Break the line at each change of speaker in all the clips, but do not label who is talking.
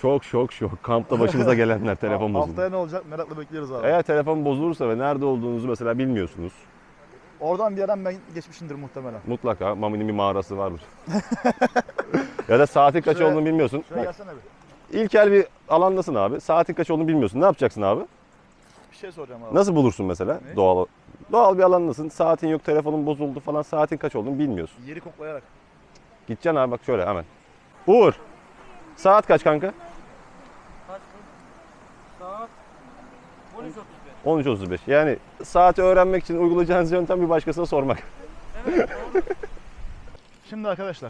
Şok. Kampta başınıza gelenler telefon bozuldu.
Haftaya ne olacak merakla bekliyoruz abi.
Eğer telefon bozulursa ve nerede olduğunuzu mesela bilmiyorsunuz.
Oradan bir yerden ben geçmişimdir muhtemelen.
Mutlaka Mami'nin bir mağarası vardır. Ya da saatin kaç
Şuraya-
olduğunu bilmiyorsun.
Şöyle
Bak,
gelsene bir.
İlkel bir alandasın abi. Saatin kaç olduğunu bilmiyorsun. Ne yapacaksın abi?
Bir şey soracağım abi.
Nasıl bulursun mesela?
Ne?
Doğal bir alandasın. Saatin yok, telefonun bozuldu falan. Saatin kaç olduğunu bilmiyorsun.
Yeri koklayarak.
Gideceksin abi bak şöyle hemen. Uğur. Saat kaç kanka?
Kaç bu? Saat 13.35.
13.35. Yani saati öğrenmek için uygulayacağınız yöntem bir başkasına sormak.
Evet doğru.
Şimdi arkadaşlar.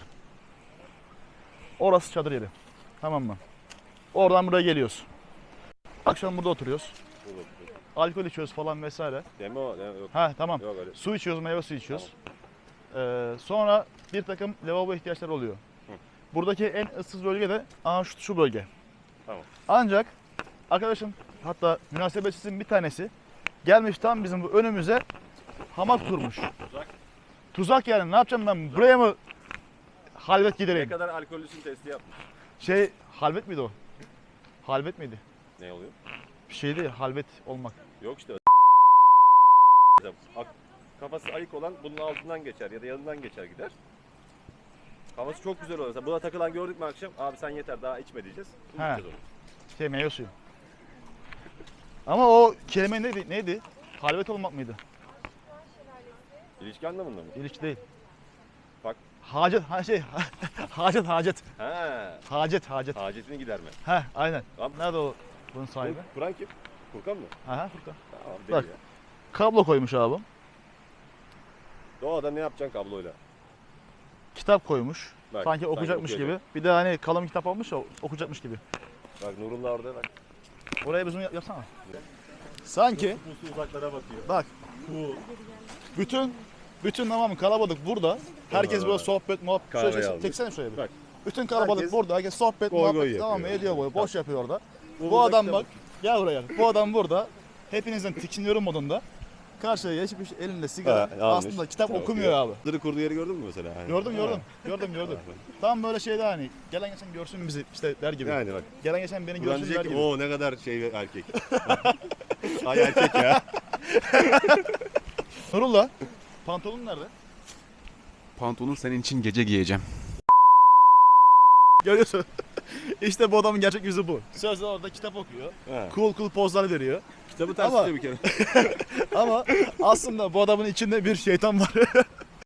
Orası çadır yeri. Tamam mı? Oradan buraya geliyoruz. Akşam burada oturuyoruz. Alkol içiyoruz falan vesaire.
Deme o. Yok.
Ha tamam.
Yok öyle.
Su içiyoruz, meyve suyu içiyoruz. Sonra bir takım lavabo ihtiyaçları oluyor. Buradaki en ıssız bölge de şu bölge.
Tamam.
Ancak arkadaşım hatta münasebetsizin bir tanesi gelmiş tam bizim bu önümüze hamak kurmuş.
Tuzak.
Tuzak yani ne yapacağım ben buraya mı halvet
Ne
gidereyim?
kadar alkollüsün testi yapmış.
Halvet miydi o? Halvet miydi?
Ne oluyor?
Bir şeydi halvet olmak.
Yok işte. Kafası ayık olan bunun altından geçer ya da yanından geçer gider. Kafası çok güzel olur. Mesela buna takılan gördük mü akşam? Abi sen yeter daha içme diyeceğiz.
He.
Unutacağız onu.
Meyve suyu. Ama o kelime neydi? Halvet olmak mıydı?
İlişki anlamında mı?
İlişki değil.
Bak.
Hacet, hacet.
He.
Hacet.
Hacetini giderme.
He, aynen.
Tamam.
Nerede o bunun sahibi?
Kur'an kim? Furkan mı?
Aha, Furkan.
Tamam
Bak.
deli ya.
Kablo koymuş abi.
Doğada ne yapacaksın kabloyla?
Kitap koymuş.
Bak,
Sanki okuyacakmış gibi.
okuyacak.
Bir de hani kalın kitap almış ya okuyacakmış gibi.
Bak Nurullah orada bak.
Oraya bir zoom yapsana. Sanki
Puslu uzaklara bakıyor.
bak bütün tamam kalabalık burada. Herkes böyle sohbet muhabbet.
Kahve
Şöyle
almış.
çeksene şuraya bir.
Bak.
Bütün kalabalık
Herkes
burada. Herkes sohbet
goy goy
muhabbet tamam mı?
yapıyor.
Ediyor böyle. Boş yapıyor orada. Bu
burada
adam
kitap
bak. Gel buraya. Bu adam burada. Hepinizden tikiniyorum modunda. Karşıya geçmiş elinde sigara.
Ha, almış.
Aslında kitap
Kitap
okumuyor abi.
Dırı kurduğu yeri gördün mü mesela? Yani.
Gördüm. Tam böyle şeyde hani gelen geçen görsün bizi işte der gibi.
Yani bak.
Gelen geçen beni
Kur'an
görsün der
diyecek ki
gibi.
o ne kadar şey erkek. Ay erkek ya.
Nurullah, pantolonun nerede?
Pantolon senin için gece giyeceğim.
Görüyorsun. İşte bu adamın gerçek yüzü bu. Sözde orada kitap okuyor.
He.
Cool pozlar veriyor.
Kitabı ters
Ama-
tutuyor bir kere.
Ama aslında bu adamın içinde bir şeytan var.